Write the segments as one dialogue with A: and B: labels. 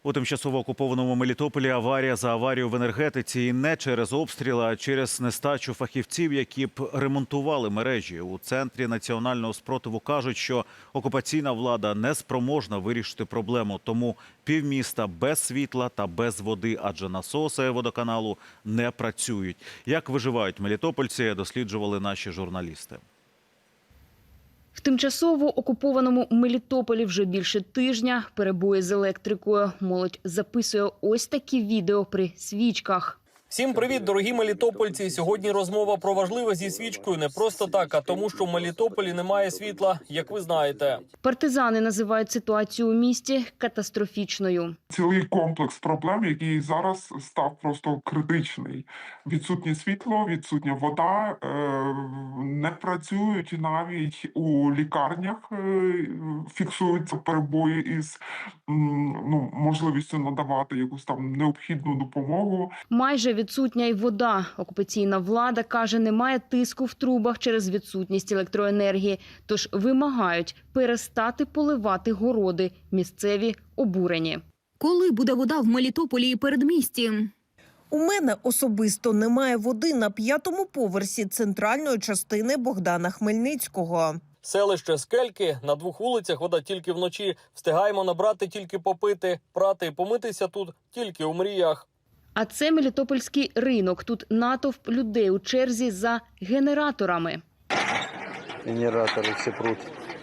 A: У тимчасово окупованому Мелітополі аварія за аварію в енергетиці. І не через обстріли, а через нестачу фахівців, які б ремонтували мережі. У Центрі національного спротиву кажуть, що окупаційна влада не спроможна вирішити проблему. Тому півміста без світла та без води, адже насоси водоканалу не працюють. Як виживають мелітопольці, досліджували наші журналісти.
B: В тимчасово окупованому Мелітополі вже більше тижня перебої з електрикою. Молодь записує ось такі відео при свічках.
C: Всім привіт, дорогі мелітопольці! Сьогодні розмова про важливе зі свічкою не просто так, а тому, що в Мелітополі немає світла, як ви знаєте.
B: Партизани називають ситуацію у місті катастрофічною.
D: Цілий комплекс проблем, який зараз став просто критичний. Відсутнє світло, відсутня вода, не працюють навіть у лікарнях, фіксуються перебої із можливістю надавати якусь там необхідну допомогу.
B: Майже відсутня й вода. Окупаційна влада каже, немає тиску в трубах через відсутність електроенергії. Тож вимагають перестати поливати городи. Місцеві обурені.
E: Коли буде вода в Мелітополі і передмісті?
F: У мене особисто немає води на 5-му поверсі центральної частини Богдана Хмельницького.
C: Селище Скельки, на 2 вулицях вода тільки вночі. Встигаємо набрати тільки попити, прати і помитися тут тільки у мріях.
B: А це Мелітопольський ринок. Тут натовп людей у черзі за генераторами.
G: Генераторы все прут.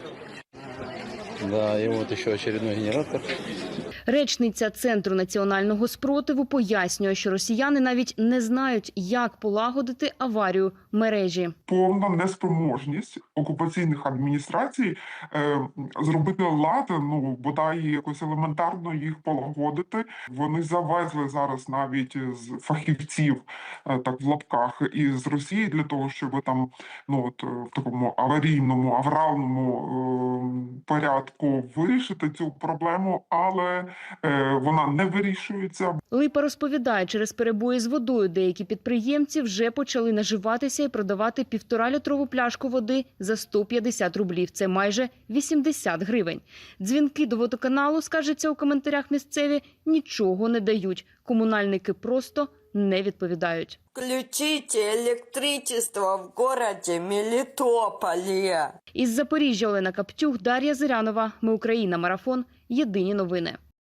G: Да, и вот еще очередной генератор.
B: Речниця Центру національного спротиву пояснює, що росіяни навіть не знають, як полагодити аварію мережі.
D: Повна неспроможність окупаційних адміністрацій зробити лад, бодай якось елементарно їх полагодити. Вони завезли зараз навіть з фахівців, так в лапках, із Росії для того, щоб там в такому аварійному, авральному порядку вирішити цю проблему, але вона не вирішується.
B: Липа розповідає, через перебої з водою деякі підприємці вже почали наживатися і продавати 1,5-літрову пляшку води за 150 рублів. Це майже 80 гривень. Дзвінки до водоканалу, скажеться у коментарях місцеві, нічого не дають. Комунальники просто не відповідають.
H: Включите электричество в городе Мелітополі.
B: Із Запоріжжя Олена Каптюх, Дар'я Зирянова. Ми Україна. Марафон. Єдині новини.